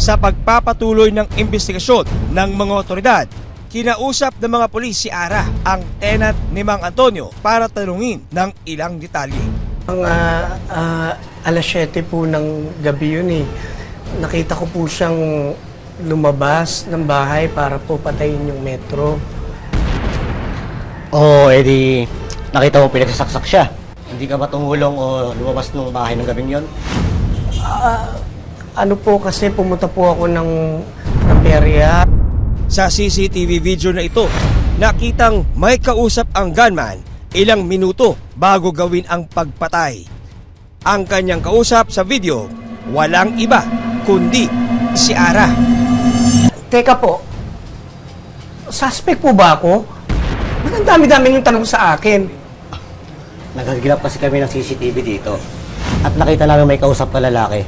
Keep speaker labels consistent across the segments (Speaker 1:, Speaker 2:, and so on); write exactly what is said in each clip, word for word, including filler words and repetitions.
Speaker 1: Sa pagpapatuloy ng investigasyon ng mga otoridad, kinausap ng mga pulis si Ara ang tenant ni Mang Antonio para tanungin ng ilang detalye.
Speaker 2: Ang uh, uh, alas siyete po ng gabi yun eh. Nakita ko po siyang lumabas ng bahay para po patayin yung metro.
Speaker 3: Oo, oh, edi nakita mo pinagsasaksak siya. Hindi ka ba tumulong o lumabas ng bahay ng gabing yon?
Speaker 2: Uh, ano po kasi pumunta po ako ng, ng perya.
Speaker 1: Sa C C T V video na ito, nakitang may kausap ang gunman ilang minuto bago gawin ang pagpatay. Ang kanyang kausap sa video, walang iba kundi si Ara.
Speaker 2: Teka po, suspect po ba ako? Ba't ang dami-dami yung tanong sa akin?
Speaker 3: Nagagilap kasi kami ng C C T V dito at nakita namin may kausap ka lalaki.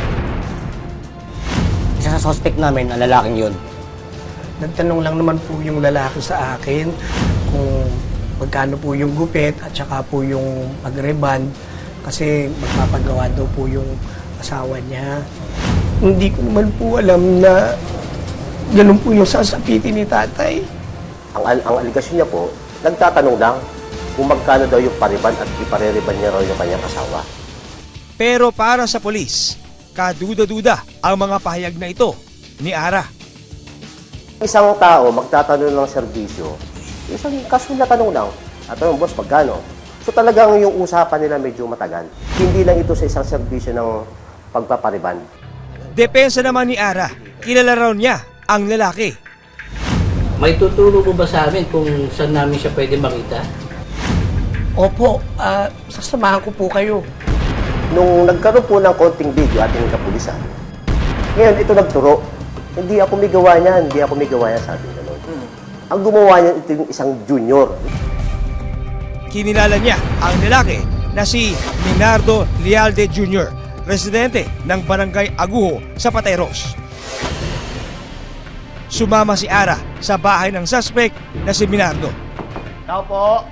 Speaker 3: Isa sa suspect namin ang lalaking yun.
Speaker 2: Nagtanong lang naman po yung lalaki sa akin kung magkano po yung gupit at saka po yung pag-reband kasi magpapagawa daw po yung asawa niya. Hindi ko naman po alam na ganun po yung sasapitin ni tatay.
Speaker 4: Ang, al ang aligasyon niya po, nagtatanong lang kung magkano daw yung pariban at ipareriban niya raw yung kanyang asawa.
Speaker 1: Pero para sa pulis, kaduda-duda ang mga pahayag na ito ni Ara.
Speaker 4: Isang tao magtatanong ng serbisyo, isang casual na tanong lang, at tanong, boss, magkano? So talagang yung usapan nila medyo matagal. Hindi lang ito sa isang serbisyo ng pagpapariban.
Speaker 1: Depensa naman ni Ara, kilala raw niya ang lalaki.
Speaker 5: May tuturo po ba sa amin kung saan namin siya pwede makita?
Speaker 2: Opo, uh, sasamahan ko po kayo.
Speaker 4: Nung nagkaroon po ng konting video ating kapulisan, ngayon ito nagturo, hindi ako may gawa niyan, hindi ako may gawa niyan, sabi niya noon. Hmm. Ang gumawa niyan, ito yung isang junior.
Speaker 1: Kinilala niya ang lalaki na si Minardo Lialde Junior, residente ng Barangay Aguho sa Pateros. Sumama si Ara sa bahay ng suspect na si Minardo.
Speaker 4: Tao po.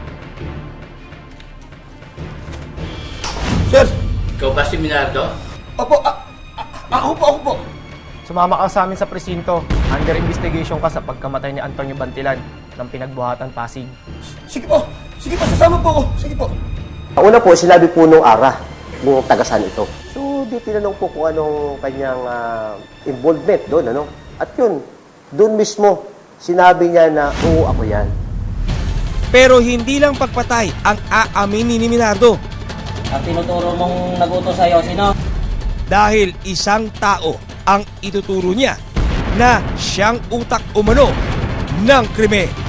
Speaker 2: Sir!
Speaker 5: Ikaw ba si Minardo?
Speaker 2: Opo, a- a- ako po, ako po.
Speaker 6: Sumama ka sa amin sa presinto. Under investigation ka sa pagkamatay ni Antonio Bantilan ng pinagbuhatan Pasig.
Speaker 2: Sige po, sige po, sasama po ako. Sige po.
Speaker 4: Ang una po, sinabi po nung Ara, kung tagasan ito. So, di tinanong po kung anong kanyang uh, involvement doon, ano? At yun, doon mismo, sinabi niya na, oo, ako yan.
Speaker 1: Pero hindi lang pagpatay ang aaminin ni Minardo.
Speaker 3: Ang tinuturo mong nagutos sa'yo, sino?
Speaker 1: Dahil isang tao ang ituturo niya na siyang utak umano ng krimen.